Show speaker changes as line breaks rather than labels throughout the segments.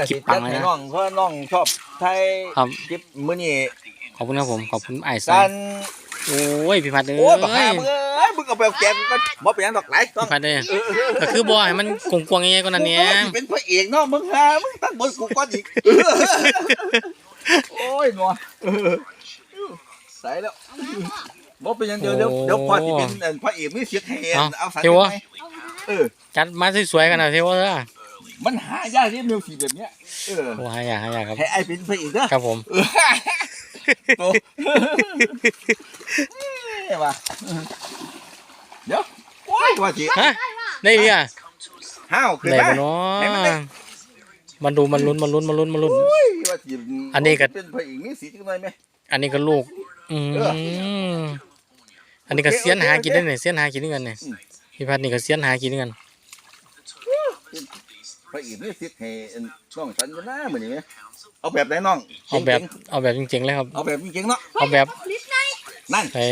คลิปปังเลยนะ
น้องเพราะน้องชอบไทย
ครับ
คลิปมื้อนี้
ขอบคุณครับผมขอบคุณไอ้สั
กาน ร
โอ้ยพี่พัดเอ้
โอ้บัก
ย
หามึงมึงเอาไปแกงก็บ่เป็นหยังดอกไหลต้อง
พี่พัดเอ้ยก็คือบ่ให้มันกวงๆยังไงก็นั่นเนี้ย
มึงเป็นพระเอกเนาะมึงหามึงตั้งบนกูก่อนอีกโอ้ยหนัวใส่แล้วบ่เป็นหยังเดี๋ยวพอสิเป็นพระเอกมีเสียงแหนเอาใส่ไหม
จัดมาสวยๆกันหน่อยเทวะ
มันหายากที่มิวสิกแบบเนี้ย
โอ้หายากครับ
ให้ไอ้เป็นพระเอกเด้อ
ครับผม
โตว่ะเดี๋ยวโอ้ยว่าสิ
ฮะได้ดิอ่ะ
ห้าวขึ้น
ได้
มา
ปะเนาะมันดูมันลุ้น
โอ้ยว่าสิ
อันนี้ก็
เป็นพระเอกมีสีจังได๋มั้ย
อันนี้ก็ลูกอันนี้ก็เสียนหากินได้เนี่ยเสียนหากินด้วยกันเนี่ยพี่พัดนี่ก็เสียนหากินด้วยกัน
พระเอกมีสิให้น้องฉันก็น่ามื้อนี้มั้ยเอาแบบไหนน้อง
เอาแบบจริงๆเลยครับ
เอาแบบจริงๆเนาะ
เอาแบบ
นั่น
เฮ้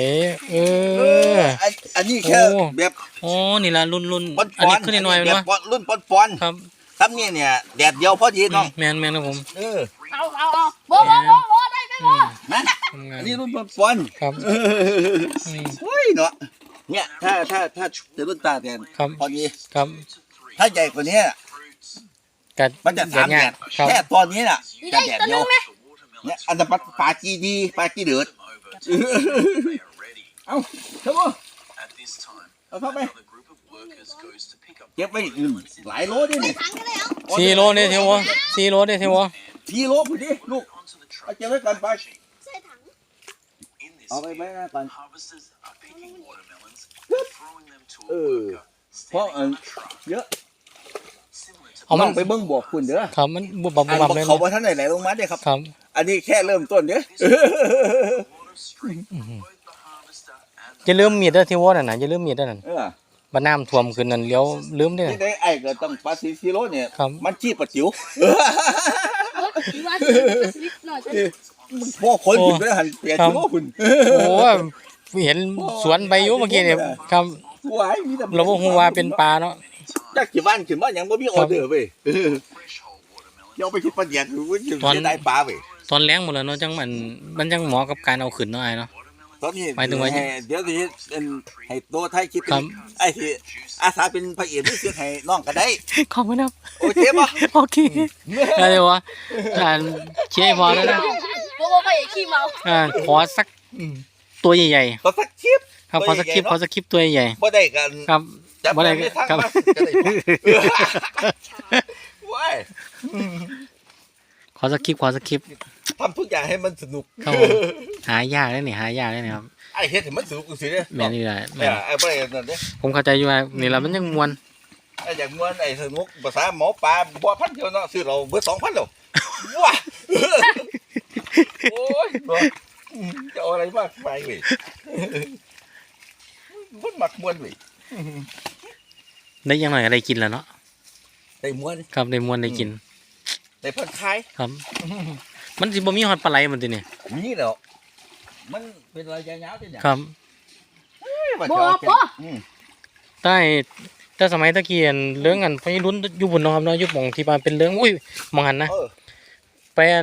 อันนี้แค่แบบ
โอ้นี่ละรุ่น
ปอน
อันนี้ขึ้นหน่อยๆ
แบบ
เนาะ
รุ่นปอน
ครับ
ทำเนี่ยแดดเดียวพอดีน้อง
แมนครับผม
เอาโบได้ไหมโบ
นะอันนี้รุ่นปอน
ครับ
เฮ้ยเนาะเนี่ยถ้าจะรุ่นตาแทน
ครับ
พอดี
ครับ
ถ้าใหญ่กว่านี้
กัด
มันจะ3แดด
ครับ
แค่ตอนนี้น่ะ
นี่
จะ
ได้
แดด
ตัว
เดี
นึ
ยว
งไหม
เนี่ยอันนั้นปลาจีดีปลาจีเดือดเอาเท่าเอาเข้าไปเก็บไว้หลายโลดิเนี่ย
ถังกันเลยเอา
4 โลเนี่ยเทวะ4 โลเนี่ยเทวะ
4 โลพอดีลูกเอาเก็บไว้ก่อนไป
ใส่ถัง
เอาไปไว้ก่อนเพราะเยอะ
เอามัน
ต้องไปเบิ่งบอกคุณเด้อ
ครับมันบุบบับ
อัน
บับ
บอก
เลย
เขาว่าท่านไหนลงมาเด้อครับ
ครับ
อันนี้แค่เริ่มต้นเด้อ
อย่าลืมมีดเด้อเทวะนั่นน่ะอย่าลืมมีดเด้อนั่น
เออ
บ้านน้ำท่วมขึ้นนั่นเลี้ยวลืมเด้อ
ที่ได้ไอ้ก็ต้องปลา4 โลเนี่ย
ครับ
มันชี้ปลาจิ๋ว
ว่าสลิปหน่อยจะ
พวกคนคุณไปหันเปียจิ๋วคุณ
โอ้เห็นสวนใบอยู่เมื่อกี้เนี่ยครับ
ว้ายมีแต่
เราบ่ฮู้ว่าเป็นปลาเนาะ
จักกี่บ้านขึ้นมายังบ่มีออเดอร์เว้ยเดี๋ยวไปคิดประหยัดคือจะได้ปลาเว้ย
ตอนแรงหมดแล้วเนาะจังมันจังเหมาะกับการเอาขึ้นเนาะไอ้เนาะ
ตอนนี้
หมายถึงว่า
เดี๋ยวสิให้ตัวไทยคิด
ครับ
ไอ้ที่อาสาเป็นพระเอกที่เสียให้น้องก็ได้
ขอบคุณครับ
โอเคป่ะ
โอเคอะไรวะเชียร์พอแล้วนะ
โบไปขี้เมา
ขอสักตัวใหญ่
ก็สักคลิป
ๆครับขอสักคลิปตัวใหญ่
บ่ได้กัน
ครับ
จับ
บ่ได้
ไม่ทั้ง
ครับ
มาจะได้ว้าย
ขอสักคลิป
ทำทุกอย่างให้มันสนุก
ครับผมหายากเลยนี่ครับ
ไอ้เฮ็ดให้มันสนุกสิเด้อ
แม่นนี่แหละแม่น
ไอ้บ่ได้นั่นเด้อ
ผมเข้าใจอยู่ว่านี่ละมันยังมวน
ไอ้อย่างม่วนไอ้สนุกภาษาหมอปลาบ่พันเดียวเนาะซื้อเราเบิด 2,000แล้วว้าโอ้ยจะเอาอะไรมากไปเว้ยมันมักม่วนเว้ย
ได้ยังหน่อยอะไรกินแล้วเนาะ
ได้ม่วน
ครับได้มวนได้กิน
ได้ผ่อนคลาย
ครับ มันสิบ่มีฮอดปลาไหลมันติเนี่ย
มีแล้วมันเป็นระยะยาวจังหยัง
ครับ
โบโบ
แต่สมัยตะกี้อันเรื่องอันพอรุ่นอยู่บนเนาะครับเนาะอยู่หม่องที่ว่าเป็นเรื่องอุ้ยมองหันนะไปอัน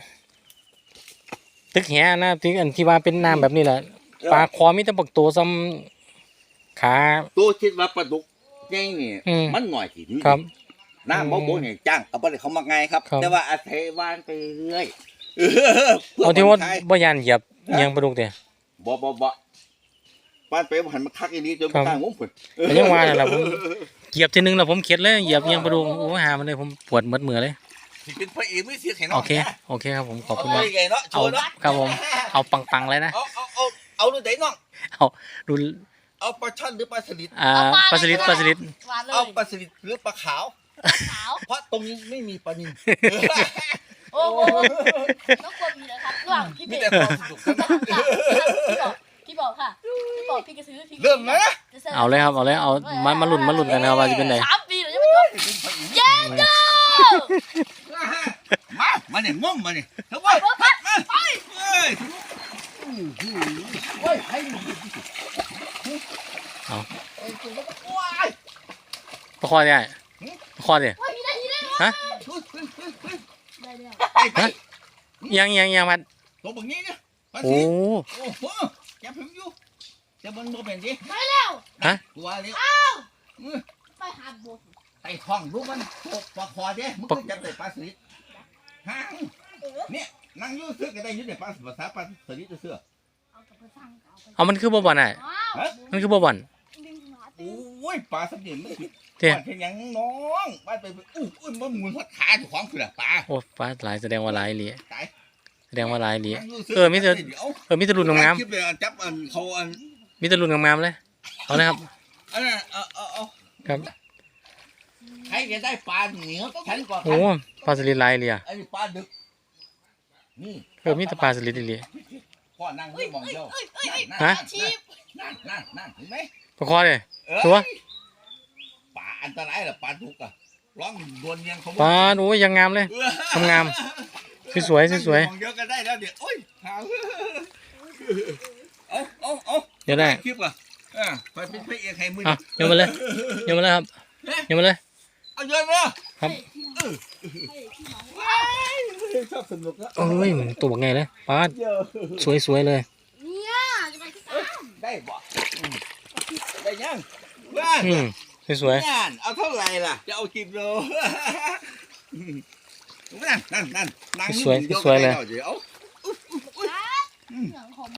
ตึกแหนะที่อันที่ว่าเป็นน้ำแบบนี้แหละปลาคอมีแต่บักตัวซ้ำขา
ตัวคิดว่าปลาดุกใหญ่นี่ มันหน่อยสิ
ครับ
น้ำบ่นี่จ้างเอาบ่ได้เขามาไงครับ
ครับ
แต่ว่าอาศัยวานไปเรื่อย
เอาที่ว่าบ่ยานเหยียบเอียงปลาดุกเด้
บ่บ้านไปหันมาคักอีนี้จน
ครับ
ข้างมุมพุ่น
ก็ยังว่านั่นล่ะผมเหยียบทีนึงแล้วผมเข็ดเลยเหยียบเอียงปลาดุกโอ้ยหามันเลยผมปวดหมดมือเลย
สิเป็นพระเอกไม่เสียแข็งน้
โอ
อง
เคครับผมขอบ
เอา
คุณ
ไป
มาก
ไงเนาะโช
เอา
ว์เนาะ
ครับผมเอาปังๆเลยนะ
เอาดูไหนน้อง
เอาดู
เอาปลาช่อนหรือปลาสลิด
ปลาสลิด
หวานเลย
เอาปลาสลิดหรือปลาขาว
ขาว
เพราะตรงนี้ไม่มีปลานิล
โอ้โหต้องควรมีนะครับระหว่างพี่
มี
เบ
แต่
ส
ความสนุกสนาน
พี่บอกค่ะพี่บอกพี่กระซื้อพี่
เริ่มนะ
เอาเลยครับเอาเลยเอามาลุ้นกันนะครับว่าจะเป็นไหน
3 ปีเลยยังไม่จบเย้เจ้า
มาเนี่ยง่วงมาเนี่ยเฮ้ยมาไปเฮ้ยเฮ้ยให้
เอา
ว้าย
ประคอเนี่ยประคอเนี่ย
มีนาทีได้ไหม
ฮะ
ไป
ยังมัด
ตัวแบบนี้เนี่ยปลา
โอ้
สีโอ้โหจับผมอยู่จะมันบ่เป็นสิ
ไปแล้ว
ฮะ
ตัวเร็ว
ไปหาบท
ไอ้ท้องลูกมันตกปลาคอเด้มึงก็จับได้ปลาสลิดห่างเนี่ยนั่งอยู่เสื้อก็ได้อยืดในปลาภาษาปลาสลิดเสื้อ
เอากลับไปสั่งเอาไป
เอามันคือบ่บ่อนอ่ะ
ว้าว
มันคือบ่บ่อน
ดึงหัว
โอ้ยปลาสลิดมันคือ
เตี้ย
ปลาเป็นหยังน้องปลาไปอุ้ยมันหมุนหัวขาเจ้าของคือปลา
โอ้ฟ้าหลายแสดงว่าหลายเหลีย
ตาย
แสดงว่าหลายเหลีย
นั่งยู่สื้
เออมีแต่
เดี๋ยว
มีแต่รุ่นงาม
คลิปเลยจับเขา
ๆมีแต่รุ่นงามๆเลยเอาเลยครับ
อันนั้นเอา
ครับ
ใครจะได้ปลาเหนียวฉันก่อน
โอ้ปลาสลิดหลายเหลีย
ไอ้ปลาดึกนี่
มีแต่ปลาสลิดอีเหลีย
พ่อนั่งนี่มองเดียว
ฮะ
นั่นเห็นไหม
ปลาคอเลย
เ
ตัว
ปลาอันตรายเหรอปลาดุกอ่ะร้องดวนยังเขา
ปลาโอ้ยยังงามเลย งาม สวยๆสวย
มองเดียวก็ได้แล้วเดี๋ยวโอ้ยหาเอา
ๆเดี๋ยวได้
คลิปอ่ะไปเป็นพระเอกให้มือ
อ่ะโยนมาเลยโยนมาเลยครับโยนมาเลย
เอาเยอะเลย
ครับ
ชอบสนุกอ่ะ
เอ้ยตัวบักไงเลยปลา
เยอะ
สวยๆเลย
เนี่ยจะไปที่สาม
ได้บ่ได้ยังว่า
อืมสวย
นั่นเอาเท่าไหร่ล่ะจะเอากิโลนั่นนั่ง
สวยๆเลย
เดี๋ยว
เหลืองของ